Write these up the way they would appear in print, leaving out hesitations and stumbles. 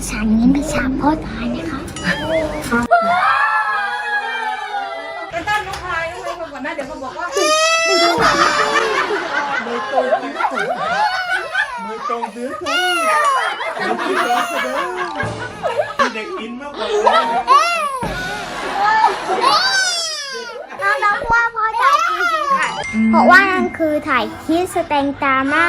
ฉันนี้ไม่ชอบพ่อตายนะคะไอ้ต้นน้องพายคนก่อนนะเดี๋ยวเขาบอกว่ามือตรงมือตรงมือตรงมือตรงมือที่ร้อนแสดงมีเด็กอินมากกว่าน้องว่าพ่อตายจริงๆค่ะเพราะว่านั่นคือถ่ายคลิปสแตงตามา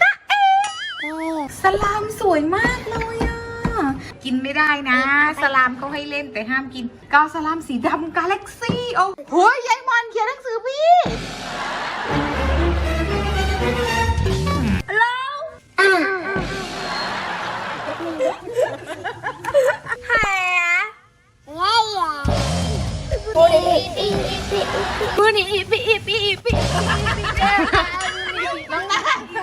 สลามสวยมากเลยอ่ะกินไม่ได้นะสลามเขาให้เล่นแต่ห้ามกินกาวสลามสีดำกาแล็กซี่โอ้โหยายมอนเขียนหนังสือพี่มือนี่อีปีน้องนะ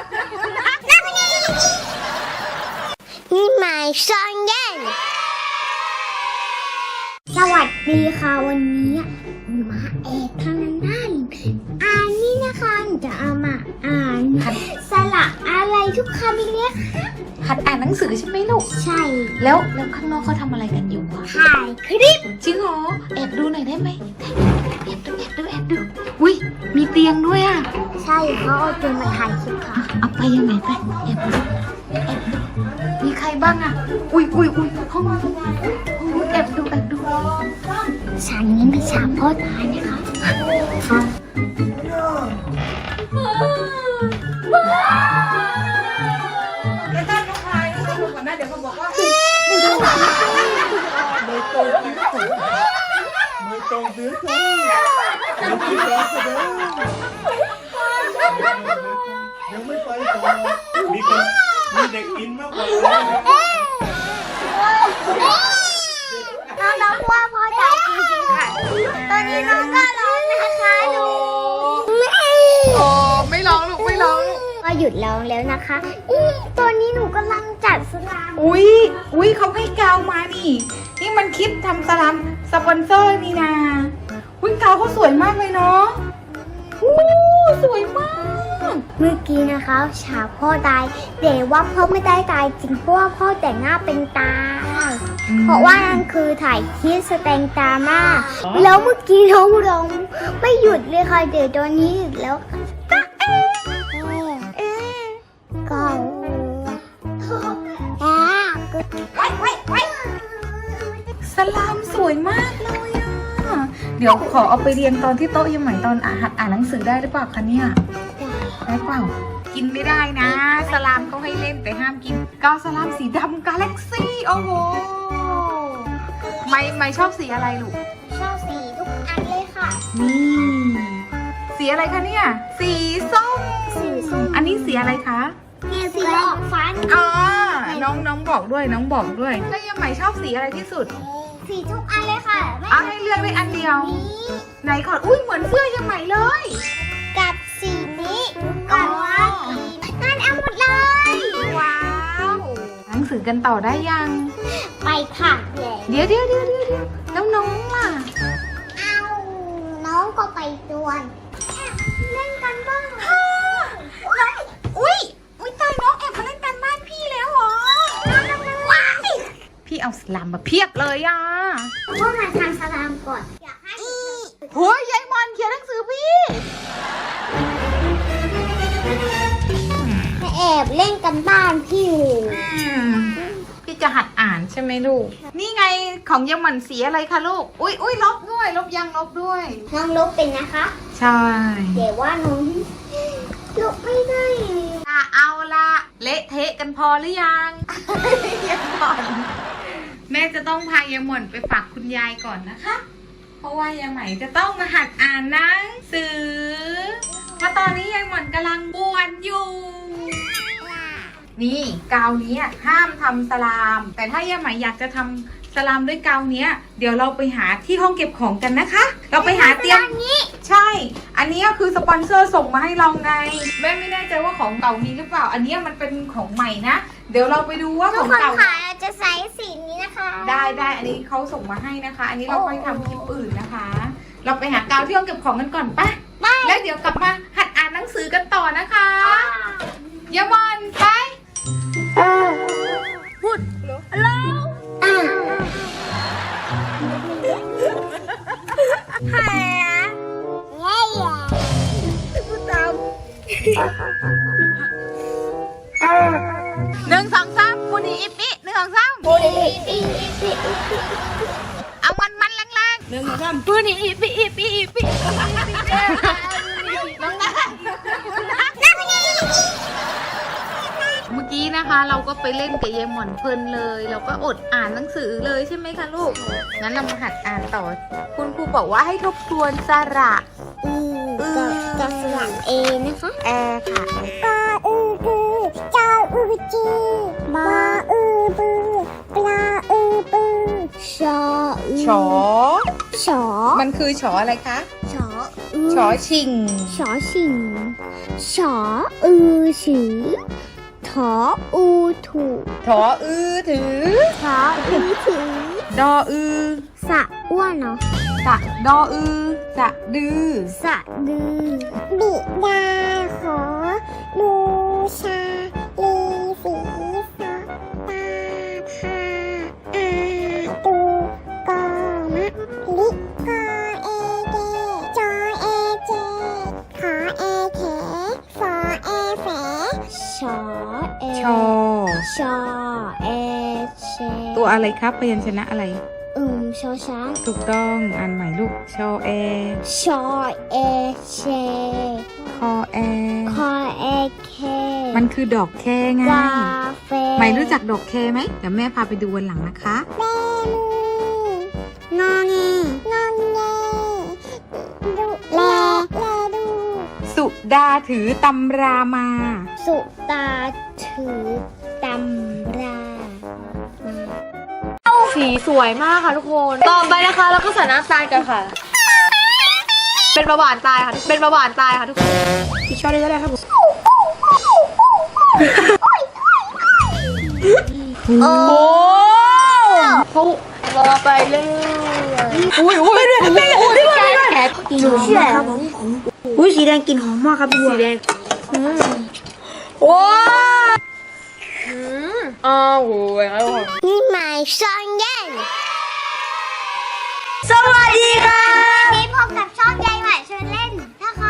นี่หมายซองเย็นสวัสดีค่ะวันนี้มาเอกทางนั้นอ่านนี่นะคะจะเอามาอ่านสระอะไรทุกคำเนี้ยหัดอ่านหนังสือใช่ไหมลูกใช่แล้วข้างนอกเขาทำอะไรกันอยู่อะถ่ายคลิปจริงเหรอแอบดูหน่อยได้ไหมแอบดูอุ้ยมีเตียงด้วยอะใช่เขาเอาเตียงมาถ่ายคลิปค่ะเอาไปยังไงไปแอบดูมีใครบ้างอะอุ้ยห้องแอบดูฉันนี้ไม่ชอบพ่อตายนะคะไอ้ต้นน้องพายคนก่อนนะเดี๋ยวเขาบอกว่ามือตรงมือตรงมือตรงมือตรงมือที่ร้อนแสดงยังไม่ไปต่อมีเด็กอินมากกว่าน้องว่าพ่อตายจริงๆค่ะตอนนี้น้องก็ร้องนะคะดูโอ้ไม่ร้องลูกก็หยุดร้องแล้วนะคะตอนนี้หนูกำลังจัดสลามอุ้ยเขาให้กาวมานี่มันคลิปทำสลามสปอนเซอร์นี่นะอุ้ยกาวเขาสวยมากเลยเนาะสวยมากเมื่อกี้นะคะฉากพ่อตายแต่ว่าพ่อไม่ได้ตายจริงเพราะว่าพ่อแต่งหน้าเป็นตาเพราะว่านั่นคือถ่ายคลิปสแตงตามาแล้วเมื่อกี้น้องร้องไม่หยุดเลยค่ะเดี๋ยวตอนนี้หยุดแล้วก็สลามสวยมากเลยอ่ะเดี๋ยวขอเอาไปเรียนตอนที่โต๊ะยังใหม่ตอนหัดอ่านหนังสือได้หรือเปล่าคะเนี่ยได้เปล่ากินไม่ได้นะสลามเขาให้เล่นแต่ห้ามกินกาวสลามสีดำกาแล็กซี่โอ้โหไม่ชอบสีอะไรลูกชอบสีทุกอันเลยค่ะนี่สีอะไรคะเนี่ยสีส้มอันนี้สีอะไรคะสีออกฟ้าน้องบอกด้วยแล้วยังใหม่ชอบสีอะไรที่สุดสีทุกอันเลยค่ะให้เลือกได้อันเดียวไหนก่อนอุ้ยเหมือนเสื้อยังใหม่เลยกับสีนี้กับว่านั่นเอาหมดเลยว้าวหนังสือกันต่อได้ยังไปค่ะเดี๋ยวแล้วน้องล่ะเอาน้องก็ไปด้วยเล่นกันบ้างอุ้ยตายน้องแอบมาเล่นกันบ้านพี่แล้วเหรอพี่เอาสลามมาเพียบเลยอ่ะพ่อมาทำสลามก่อนอยากให้โอ้ยยายมอนเขียนหนังสือพี่แอบเล่นกันบ้านพี่พี่จะหัดอ่านใช่ไหมลูกนี่ไงของยายมอนสีอะไรคะลูกอุ้ยลบด้วยลบด้วยน้องลบเป็นนะคะใช่แต่ว่าน้องลบไม่ได้เอาละเละเทะกันพอหรือยังยายมอนแม่จะต้องพายายหม่อนไปฝากคุณยายก่อนนะคะเพราะว่ายายใหม่จะต้องมาหัดอ่านหนังสือเพราะตอนนี้ยายหม่อนกำลังบวชอยู่นี่กาวนี้ห้ามทำสลามแต่ถ้ายายใหม่อยากจะทำสลามด้วยกาวนี้เดี๋ยวเราไปหาที่ห้องเก็บของกันนะคะเราไปหาเตียงนี้ใช่อันนี้ก็คือสปอนเซอร์ส่งมาให้เราไงแม่ไม่แน่ใจว่าของเก่ามีหรือเปล่าอันนี้มันเป็นของใหม่นะเดี๋ยวเราไปดูว่าของเก่าจะใส่สีนี้นะคะได้อันนี้เขาส่งมาให้นะคะอันนี้เราไปทำคลิปอื่นนะคะเราไปหากาวที่ห้องเก็บของกันก่อนป่ะแล้วเดี๋ยวกลับมาหัดอ่านหนังสือกันต่อนะคะยามอนไปพูดหนึ่งสองสามปูนีอิปปี้หนึ่งสองสามเอามันแรงๆหนึ่งสองสามปูนีอิปปี้อิปปี้อิปปี้น้องนัทเมื่อกี้นะคะเราก็ไปเล่นกับเยายหมอนเพลินเลย เราก็อดอ่านหนังสือเลยใช่ไหมคะลูก งั้นเรามาหัดอ่านต่อ คุณครูบอกว่าให้ทบทวนสระกับสระเอนะคะแอค่ะกออือกือจออือจีบออือบือปลาอือปือชออือชอชอมันคือชออะไรคะชออือชอชิงชอชิงชออือฉือถออูถูกถออือถือถออือถือดออือสะอ้วนเนาะสะดออือสะดือสะดือบิดาขอบูชาลีสีสอตาพาอาตูกอมะลิกอเอเดจอเอเจขอเอเขฟอเอแฝชอเอชอชอเอเชตัวอะไรครับพยัญชนะอะไรชอช้างถูกต้องอ่านใหม่ลูก ชอแอชอเอเชคอแอคอเอเคมันคือดอกแคไงกาเฟใหม่รู้จักดอกแคไหมเดี๋ยวแม่พาไปดูวันหลังนะคะเบมืองอแงงอแงดูแลดูสุดาถือตำรามาสุตาถือตำราสีสวยมากค่ะทุกคน ต่อไปนะคะแล้วก็ใส่น้ำตาลกันค่ะ เป็นประหวานตายค่ะ เป็นประหวานตายค่ะทุกคนอีกช้อนนึงก็ได้ครับผมโอ้เขารอไปเรื่อยอุ้ยแกะกินหอมมากครับผมอุ้ยสีแดงกินหอมมากครับพี่บัวสีแดงว้าวอ้าวโอ้ยนี่หมายช่องเย็นสวัสดีค่ะวันนี้พบกับช่องยายใหม่ชวนเล่นนะคะ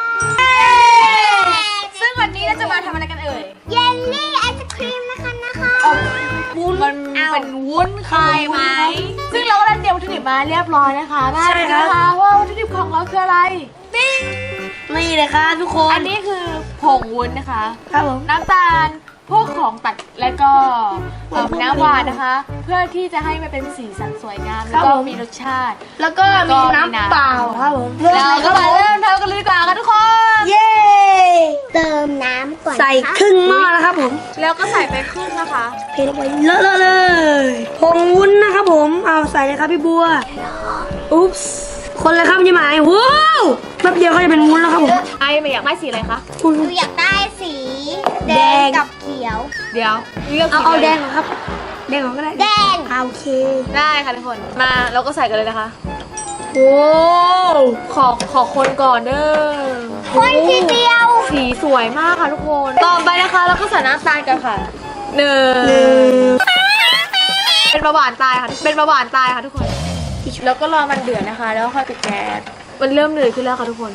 ซึ่งวันนี้เราจะมาทำอะไรกันเอ่ยเยลลี่ไอศครีมนะคะวุ้นมันเป็นวุ้นคายไหมซึ่งเราก็ได้เตรียมวัตถุดิบมาเรียบร้อยนะคะใช่ค่ะว่าวัตถุดิบของเราคืออะไรปิ้งนี่เลยครับทุกคนอันนี้คือผงวุ้นนะคะครับผมน้ำตาลพวกของตัดและก็น้ำหวานนะคะ เพื่อที่จะให้มันเป็นสีสันสวยงามแล้วก็มีรสชาติแล้วก็มีน้ำเปล่าครับผมเราก็มาเริ่มทำกันเลยดีกว่าค่ะทุกคนเย้เติมน้ำก่อนใส่ครึ่งหม้อนะครับผมแล้วก็ใส่ไปครึ่งนะคะเทลงไปเลอะๆเลยผงวุ้นนะครับผมเอาใส่เลยครับพี่บัวอุ๊บส์คนเลยครับยี่หมายว้าวแป๊บเดียวก็จะเป็นวุ้นแล้วครับผมไอ้ไม่อยากได้สีอะไรคะอุ๊ยหนูอยากได้สีแดงกับเขียวเดี๋ยวเลือกสีเอาลยแดงเหรอครับแดงเหรอก็ได้แดงโอเคได้ค่ะทุกคนมาเราก็ใส่กันเลยนะคะโอ้ขอคนก่อนเด้อคนทีเดียวสีสวยมากค่ะทุกคน ต่อไปนะคะเราก็ใส่น้ำตาลกันค่ะหนึ่งเป็นประหวานตายค่ะ เป็นประหวานตายค่ะทุกคน แล้วก็รอมันเดือดนะคะ แล้วค่อยปิดแก๊ส มันเริ่มเดือดขึ้นแล้วค่ะทุกคน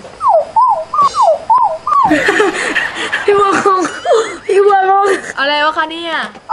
พี่บัวงงพี่บัวงงอะไรวะคะเนี่ย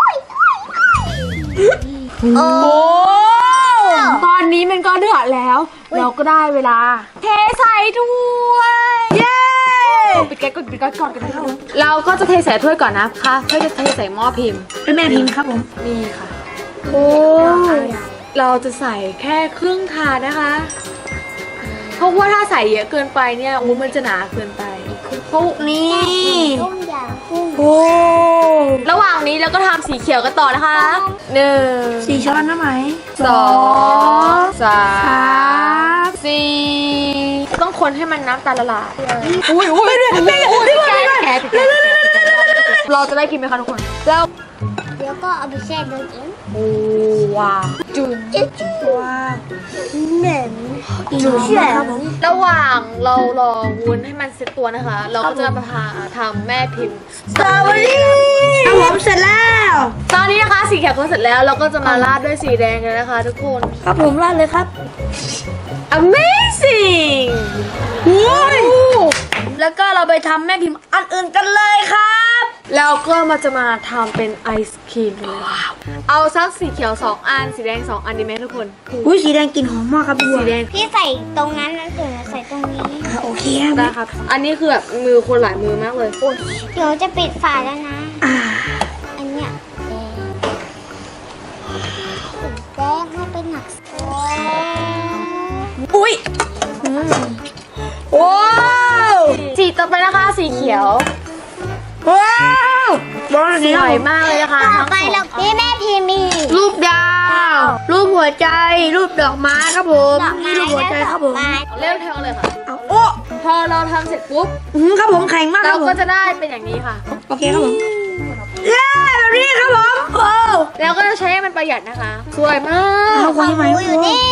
โอ้ตอนนี้มันก็เดือดแล้ว เราก็ได้เวลา เทใส่ถ้วย เย้ปิดแก๊สก่อนกันนะคะเราก็จะเทใส่ถ้วยก่อนนะคะเพื่อจะเทใส่หม้อพิมพ์เป็นแม่พิมพ์ครับผมนี่ค่ะโอ้เราจะใส่แค่ครึ่งถาดนะคะ เพราะว่าถ้าใส่เยอะเกินไปเนี่ยวุ้นมันจะหนาเกินไปเพราะนี่ต้มยำกุ้งโอ้ระหว่างนี้เราก็ทำสีเขียวกันต่อนะคะหนึ่งสี่ช้อนนะไหมสองสามสี่ต้องคนให้มันน้ำตาลละลายอุ้ยแกะเราจะได้กินไหมคะทุกคนแล้วเดี๋ยวก็เอาไปแช่ตู้เย็นโอ้ว้าวจุนจิ๊บจิ๊บว้าวเหม็นหอีกหนึ่งชิ้นนะครับผมระหว่างเรารอวุ้นให้มันเซ็ตตัวนะคะ เราก็จะมาทำแม่พิมพ์สตรอเบอรี่ครับผมเสร็จแล้วตอนนี้นะคะสีเขียวก็เสร็จแล้วเราก็จะมาราดด้วยสีแดงกันนะคะ ทุกคนครับผมราดเลยครับ Amazing โอ้ยแล้วก็เราไปทำแม่พิมพ์อันอื่นกันเลยครับแล้วก็มาจะมาทำเป็นไอศครีมเลยเอาสักสีเขียว2อันสีแดง2อันดีไหมทุกคนอุ้ยสีแดงกลิ่นหอมมากครับพี่บัวสีแดงพี่ใส่ตรงนั้นแล้วถึงใส่ตรงนี้โอเคครับได้ครับ อันนี้คือแบบมือคนหลายมือมากเลยเดี๋ยวจะปิดฝาแล้วนะอ่าอันเนี้ยแดงให้เป็นหนักอุ้ยว้าวสีต่อไปนะคะสีเขียวว้าวบอลสสีวยมากเลยนะคะต่อทั้งไปสองเราพี่แม่พีมีรูปดาว รูปหัวใจ รูปดอกไม้ครับผมดอกไม้นี่รูปหัวใจครับผมเริ่มทำเลยค่ะเอาโอ้พอเราทำเสร็จปุ๊บครับผมแข็งมากคเรารับผมก็จะได้เป็นอย่างนี้ค่ะโอเคครับผมเย้แบบนี้ครับผมโอ้แล้วก็จะใช้ให้มันประหยัดนะคะ สวยมาเอากคนที่ไหนรู้อยู่นี่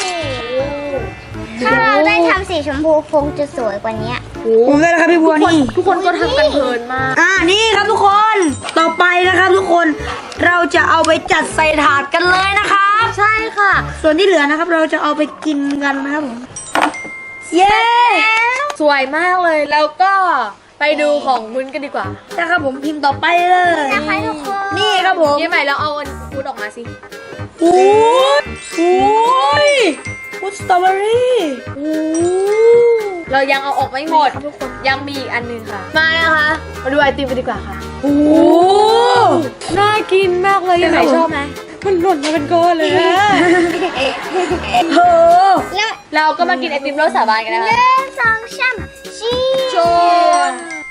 ถ้าเราได้ทำสีชมพูคงจะสวยกว่านี้ผมได้แล้วครับพี่บัวนี่ทุกคนก็ทำกันเพลินมากนี่ครับทุกคน ต่อไปนะครับทุกคน เราจะเอาไปจัดใส่ถาดกันเลยนะครับใช่ค่ะส่วนที่เหลือนะครับ เราจะเอาไปกินกันนะครับผม เย้สวยมากเลย แล้วก็ไปดูของวุ้นกันดีกว่านะครับผมพิมพ์ต่อไปเลยนะคะทุกคนนี่ครับผมยี่ใหม่แล้วเอาวุ้นออกมาสิโอ้ยโอ้ยพุทสตรอเบอรี่เรายังเอาออกไม่หมด ยังมีอีกอันหนึงค่ะ มานะคะ มาดูไอติมกันดีกว่าค่ะโอ้น่ากินมากเลยยี่ใหม่ชอบไหมมันหล่นมาเป็นก้อนเลยโหแล้วเราก็มากินไอติมรสสาบานกันนะคะสองช้ำชีโชน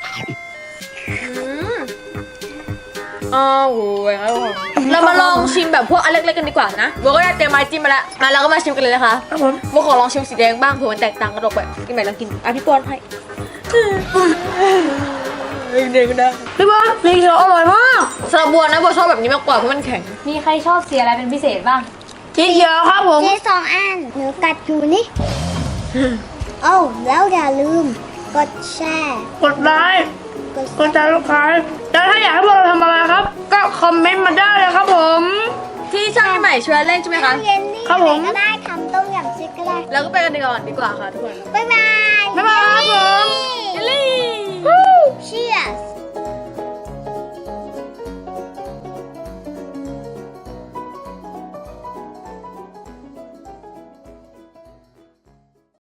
อ้าวโหยครับผมเรามาลองชิมแบบพวกอันเล็กๆกันดีกว่านะโบก็ได้เตรียมไม้จิ้มมาแล้วมาเราก็มาชิมกันเลยนะคะครับผมโบขอลองชิมสีแดงบ้างเผื่อมันแตกต่างกันออกไปกินใหม่ลองกินพี่ป้อนให้เด็กๆนะพี่บัวนี่เขียวอร่อยมากสำหรับบัวนะบัวชอบแบบนี้มากกว่าเพราะมันแข็งมีใครชอบสีอะไรเป็นพิเศษบ้างสีเขียวครับผมเจสองอันหนูกัดอยู่นี่ โอ้แล้วอย่าลืม กดแชร์กดไลค์กดกดติดตามลูกค้าแล้วถ้าอยากให้พวกเราทำอะไรครับ ก็คอมเมนต์มาได้เลยครับผมที่ช่างใหม่ช่วยเล่นใช่ไหมคะเย็นนี่ครับผมก็ได้ทำต้มยำซิกก็ได้แล้วก็ไปกันดีกว่าค่ะทุกคนบ๊ายบายบ๊ายบายครับผม